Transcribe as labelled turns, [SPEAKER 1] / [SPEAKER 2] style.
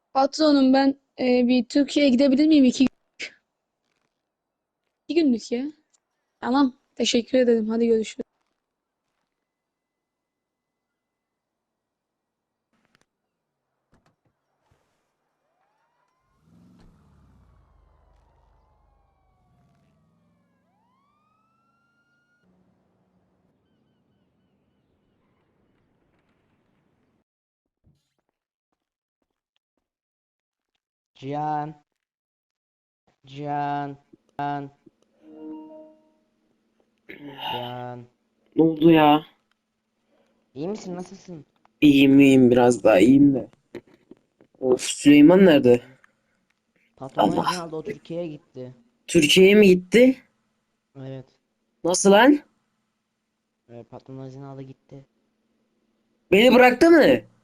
[SPEAKER 1] Patronum ben bir Türkiye'ye gidebilir miyim? İki günlük ya. Tamam. Teşekkür ederim. Hadi görüşürüz.
[SPEAKER 2] Cihan, Cihan, Cihan.
[SPEAKER 3] Ne oldu ya?
[SPEAKER 2] İyi misin? Nasılsın?
[SPEAKER 3] İyiyim biraz daha iyiyim de. Of, Süleyman nerede?
[SPEAKER 2] Patronun izin
[SPEAKER 3] Allah.
[SPEAKER 2] aldı, o Türkiye'ye gitti.
[SPEAKER 3] Türkiye'ye mi gitti?
[SPEAKER 2] Evet.
[SPEAKER 3] Nasıl lan?
[SPEAKER 2] Patronun izin aldı gitti.
[SPEAKER 3] Beni bıraktı mı?